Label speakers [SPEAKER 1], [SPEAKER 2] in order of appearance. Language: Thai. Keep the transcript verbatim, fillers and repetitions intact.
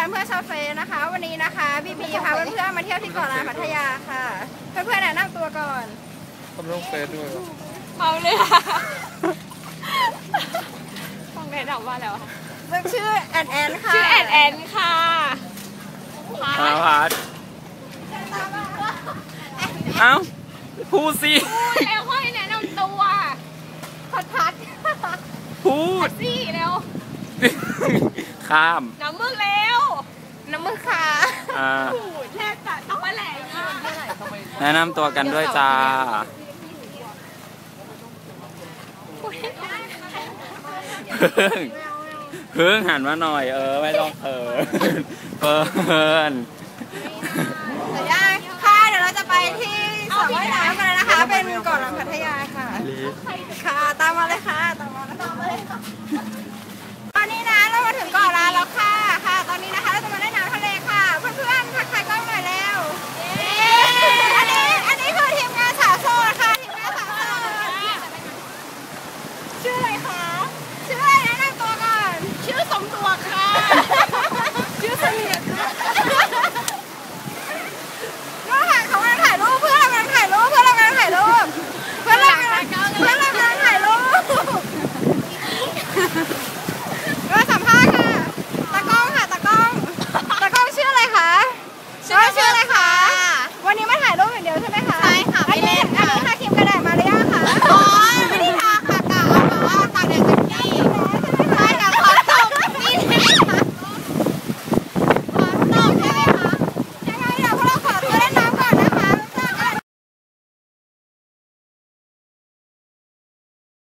[SPEAKER 1] เพื่อนชาวเฟซนะคะวันนี้นะคะบีบีพาเพื่อนๆมาเที่ยวที่เกาะล้านพัทยาค่ะเพื่อนๆแนะนำตัวก่อน
[SPEAKER 2] ทำลงเฟซด้วย
[SPEAKER 3] เมาเลยค่ะต้องได้ถามว่าแล้วค่ะ
[SPEAKER 1] ชื่อแอนแอนค่ะ
[SPEAKER 3] ชื่อแอนแอนค่ะ
[SPEAKER 2] พาพัดเอ้าพูดสิ
[SPEAKER 3] พูดแล้วค่อยแนะนำตัว
[SPEAKER 1] พัดพัด
[SPEAKER 2] พูด
[SPEAKER 3] สิเร็ว
[SPEAKER 2] ข้าม
[SPEAKER 3] น้ำมึกเร็ว
[SPEAKER 1] น้ำมือค่ะ
[SPEAKER 2] อ่า
[SPEAKER 3] แค่จะต้องมาแหลง
[SPEAKER 2] แนะนำตัวกันด้วยจ้าเพิ่งเพิ่งหันมาหน่อยเออไม่ต้องเขินเพิ่น
[SPEAKER 1] แต่ยังค่ะเดี๋ยวเราจะไปที่สระว่ายน้ำกันนะคะเป็นเกาะล้านพัทยาค่ะค่ะตามมาเลยค่ะตามมาตามมาเลยค่ะตอนนี้นะเรามาถึงเกาะล้านแล้วค่ะค่ะตอนนี้นะคะเราจะมาเล่นน้ำทะเลค่ะเพื่อนๆทักทายกล้องหน่อยแล้วอันนี้อันนี้คือทีมงานสาวโสดค่ะทีมงานสาวโสดชื่ออะไรคะชื่ออะไรแนะนำตัวก่อน
[SPEAKER 3] ชื่อสมตัวค่ะ
[SPEAKER 1] ชื่อเสลียดก็ถ่ายเขากำลังถ่ายรูปเพื่อนเรากำลังถ่ายรูปเพื่อนเรากำลังถ่ายรูปเพื่อนเรากำลังเพื่อนเรากำลังถ่ายรูป